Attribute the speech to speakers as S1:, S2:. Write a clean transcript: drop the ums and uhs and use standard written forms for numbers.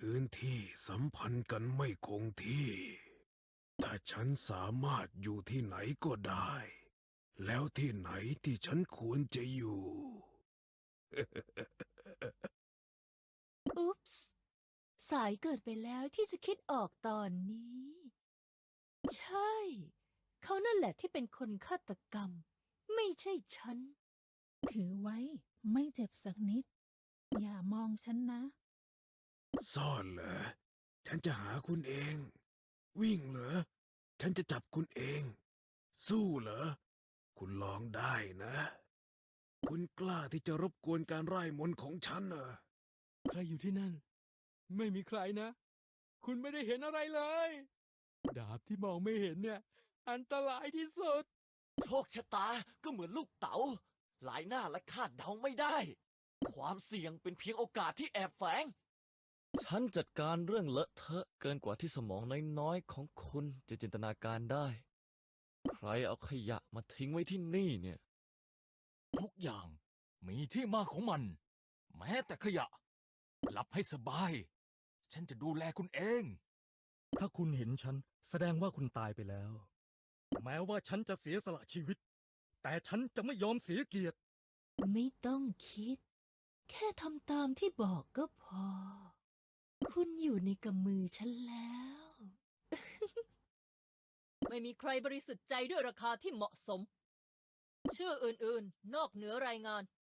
S1: พื้นที่สัมพันธ์กันไม่คงที่แต่ฉันสามารถอยู่ที่ไหนก็ได้ แล้วที่ไหนที่ฉันควรจะอยู่
S2: อุ๊ปส์สายเกิดไปแล้วที่จะคิดออกตอนนี้ ใช่ เขานั่นแหละที่เป็นคนฆาตกรรม ไม่ใช่ฉัน
S3: ถือไว้ไม่เจ็บสักนิด อย่ามองฉันนะ
S1: ซ่อนเหรอ ฉันจะหาคุณเอง วิ่งเหรอ ฉันจะจับคุณเอง สู้เหรอ คุณลองได้นะ คุณกล้าที่จะรบกวนการไร้มนต์ของฉันเหรอ
S4: ใครอยู่ที่นั่น ไม่มีใครนะ คุณไม่ได้เห็นอะไรเลย ดาบที่มองไม่เห็นเนี่ย อันตรายที่สุด
S5: โชคชะตาก็เหมือนลูกเต๋าหลายหน้าและคาดเดาไม่ได้ ความเสี่ยงเป็นเพียงโอกาสที่แอบแฝง ฉันจัดการเรื่องเลอะเทอะเกินกว่าที่สมองน้อยๆของคุณจะจินตนาการได้ ใครเอาขยะมาทิ้งไว้ที่นี่เนี่ย
S6: ทุกอย่างมีที่มาของมัน แม้แต่ขยะ หลับให้สบาย ฉันจะดูแลคุณเอง
S7: ถ้าคุณเห็นฉันแสดงว่าคุณตายไปแล้ว แม้ว่าฉันจะเสียสละชีวิต แต่ฉันจะไม่ยอมเสียเกียรติ
S2: ไม่ต้องคิด แค่ทำตามที่บอกก็พอ คุณอยู่ในกำมือฉันแล้ว ไม่มีใครบริสุทธิ์ใจด้วยราคาที่เหมาะสม ชื่ออื่นๆ นอกเหนือรายงาน